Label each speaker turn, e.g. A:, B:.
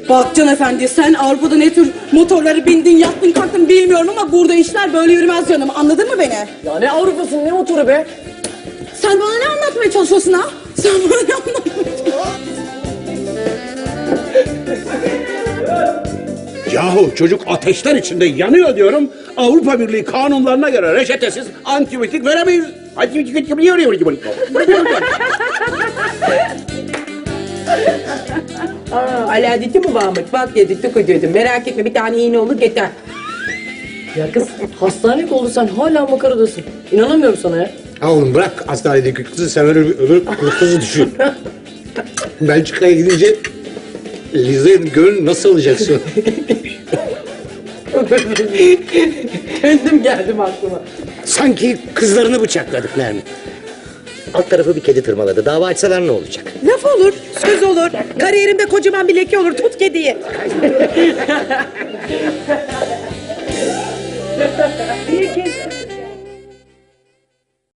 A: Bak Can Efendi, sen Avrupa'da ne tür motorları bindin, yattın, kalktın bilmiyorum ama burada işler böyle yürümez canım. Anladın mı beni?
B: Ya ne Avrupa'sın, ne motoru be?
A: Sen bana ne anlatmaya çalışıyorsun ha? Sen bana ne anlatmaya çalışıyorsun?
C: Yahu çocuk ateşler içinde yanıyor diyorum. Avrupa Birliği kanunlarına göre reçetesiz antibiyotik veremeyiz. Antibiyotik
D: Aladettin mi Mahmut? Bak dedik tık ödedim. Merak etme bir tane iğne olur yeter.
B: Ya kız hastanelik oldu, sen hala makaradasın. İnanamıyorum sana ya.
E: Ha oğlum bırak hastanedeki kızı, sen öbür kızı düşün. Belçika'ya gidince Liza'nın gönlünü nasıl alacaksın?
D: Kendim geldim aklıma.
F: Sanki kızlarını bıçakladık Nermin. Alt tarafı bir kedi tırmaladı. Dava açsalar ne olacak?
D: Laf olur, söz olur. Kariyerimde kocaman bir leke olur. Tut kediyi. Bir kez